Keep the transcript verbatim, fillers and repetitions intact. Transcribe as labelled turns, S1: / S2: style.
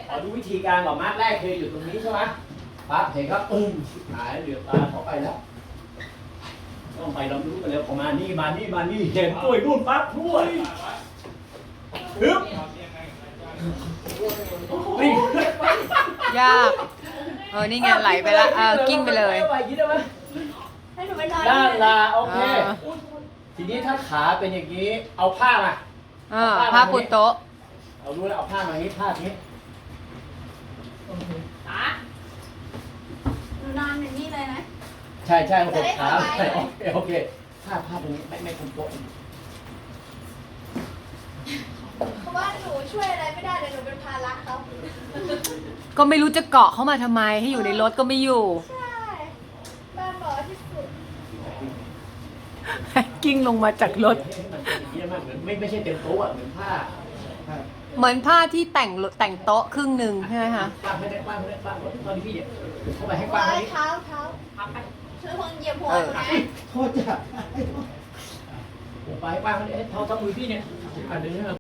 S1: ขอดูวิธีการก่อนมาร์กแรกคืออยู่ตรงนี้ใช่ไหมปั๊บเห็นครับอึ้งหายเหลือบตาเข้าไปแล้วต้องไปเรารู้กันแล้วพอมานี่มานี่มานี่เห็นด้วยนู่นปั๊บด้วยฮึบนี่
S2: ยากเออนี่ไงไหลไปละเออกิ้งไปเลย
S3: ให้หนูไปนอน
S1: ด้านลาโอเค
S2: เออ
S1: ทีนี้ถ้าขาเป็นอย่างนี้เอาผ้ามา
S2: เออผ้าปูโต๊ะ
S1: เอารู้แล้วเอาผ้ามาอย่างนี้ผ้าอย่างนี้
S3: ขาหนูนอนอย่างนี้เลยนะ
S1: ใช่ใช่หกขา
S3: จะได้
S1: โอ
S3: สบาย
S1: เคโอเคผ้าผ้าตรงนี้ไม่ไม่คุมโต๊ะ
S3: เพราะว่าหนูช่วยอะไรไม่ได้เลยหนูเป็นภาระเขา
S2: ก็ไม่รู้จะเกาะเข้ามาทำไมให้อยู่ในรถก็ไม่อยู่
S3: ใช่บ้านบอกที่สุด
S2: กิ้งลงมาจากรถ
S1: ให้มันเป็นอย่างนี้มากเหมือนไม่ไม่ใช่เต็มโต๊ะอะเหมือนผ้าผ้า
S2: เหมือนผ้าที่แต่งแต่งโต๊ะครึ่งหนึ่งใช่ไหมคะ
S1: กว้างให้ได้กว้างให้ได้กว้างตอนนี้พี่เนี่ยเข้าไปให้กว้าง
S3: ว้า
S1: ให้
S3: ย
S1: นิด
S3: เท้าเท้าช่วยคนเหยียบหัวหนูนะ
S1: โทษจ้ะไปให้กว้างให้ได้เท่าเท่ามือพี่เนี่ยอันนี้